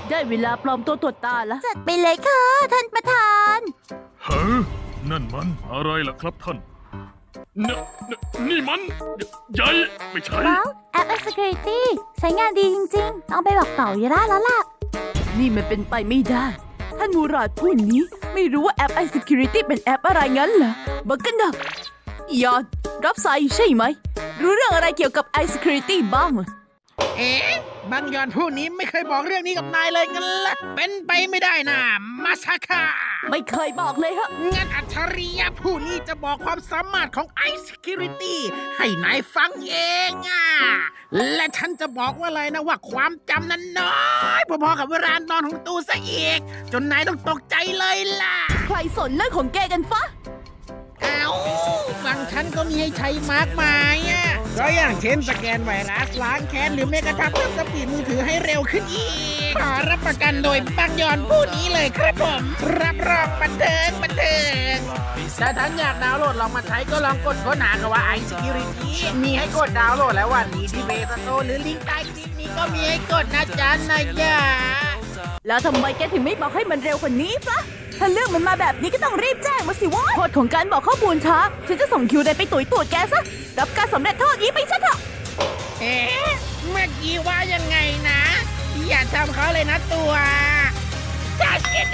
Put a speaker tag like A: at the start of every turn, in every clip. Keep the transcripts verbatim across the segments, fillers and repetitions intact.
A: ได้เวลาปลอมตัวตรวจตาแล้ว
B: จัดไปเลยค่ะท่านประธาน
C: เฮ้ยนั่นมันอะไรล่ะครับท่านนนนี่มันใหญ่ไม่ใช่
B: ว้าวแอป Security ใช้งานดีจริงๆ ต้องไปบอกต่อยาร่าแล้วล่ะ
A: นี่มันเป็นไปไม่ได้ ท่านมูราดผู้นี้ไม่รู้ว่าแอป iSecurity เป็นแอปอะไรงั้นเหรอบักกันนะยอดรับสายใช่ไหม รู้เรื่องอะไรเกี่ยวกับ iSecurity บ้างเหรอ
D: เอ๊ะบางยอนผู้นี้ไม่เคยบอกเรื่องนี้กับนายเลยงั้นละเป็นไปไม่ได้นะมาซาคา
A: ไม่เคยบอกเลยฮะ
D: งั้นอัจฉริยะผู้นี้จะบอกความสามารถของ iSecurity ให้นายฟังเองอ่ะและฉันจะบอกว่าเลยนะว่าความจำนั้นน้อยพอๆกับเวลานอนของตูซะอีก จนนายต้องตกใจเลยล่ะ
A: ใครสนเรื่องของแกกันฟะ
D: เอาฟังฉันก็มีให้ใช้มากมายอ่ะก็อย่างเช่นสแกนไวรัสล้างแค้นหรือแม้กระทั่งเพิ่มสปีดมือถือให้เร็วขึ้นอีกขอรับประกันโดยบางยอนผู้นี้เลยครับผมรับรองบันเทิงบันเทิงถ้าท่านอยากดาวน์โหลดลองมาใช้ก็ลองกดค้นหาคำว่า iSecurity มีให้กดดาวน์โหลดแล้ววันนี้ที่เบสโตหรือลิงก์ใต้คลิปนี้ก็มีให้กดนะจ๊ะนายยา
A: แล้วทำไมแกถึงไม่บอกให้มันเร็วกว่านี้ฟะถ้าเรื่องมันมาแบบนี้ก็ต้องรีบแจ้งมาสิวะโทษของการบอกข้อมูลช้า ฉันจะส่งคิวเดนไปตุ๋ยตรวจแกซะ รับการสำเร็จโทษนี้ไปซะเถอะ
D: เอ๊ะเมื่อกี้ว่ายังไงนะ อย่าทำเขาเลยนะตัวจัดกันเด้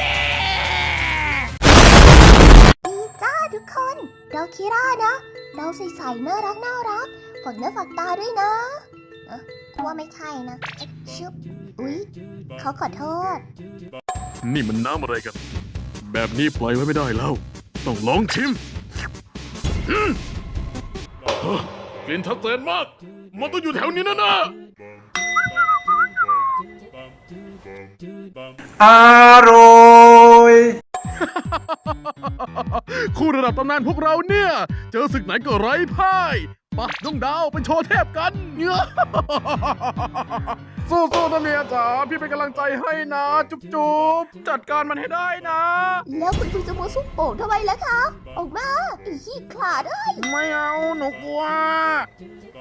B: ดีจ้าทุกคน เราคิร่านะ เราใสๆน่ารักน่ารักฝากเนื้อฝากตาด้วยนะเอ๊ะว่าไม่ใช่นะเอ๊ะชึบอุ๊ยเขาขอโทษ
C: นี่มันน้ำอะไรกัน แบบนี้ปล่อยไว้ไม่ได้แล้ว ต้องลองชิมอืมเฮ้อกลิ่นชัดเจนมาก มันต้องอยู่แถวนี้นะนะ
E: อร่อย
C: คู่ระดับตำนานพวกเราเนี่ย เจอศึกไหนก็ไร้พ่ายปะน้องดาวไปโชว์เทพกันเนื้อ สู้ๆนะเมียจ๋าพี่เป็นกำลังใจให้นะ จุ๊บๆ จัดการมันให้ได้นะ
B: แล้วคุณคุณจะมาซุปโป่งทำไมล่ะคะ ออกมาไอ้ขี้ขลาดเอ้ย
D: ไม่เอาหนูกลัว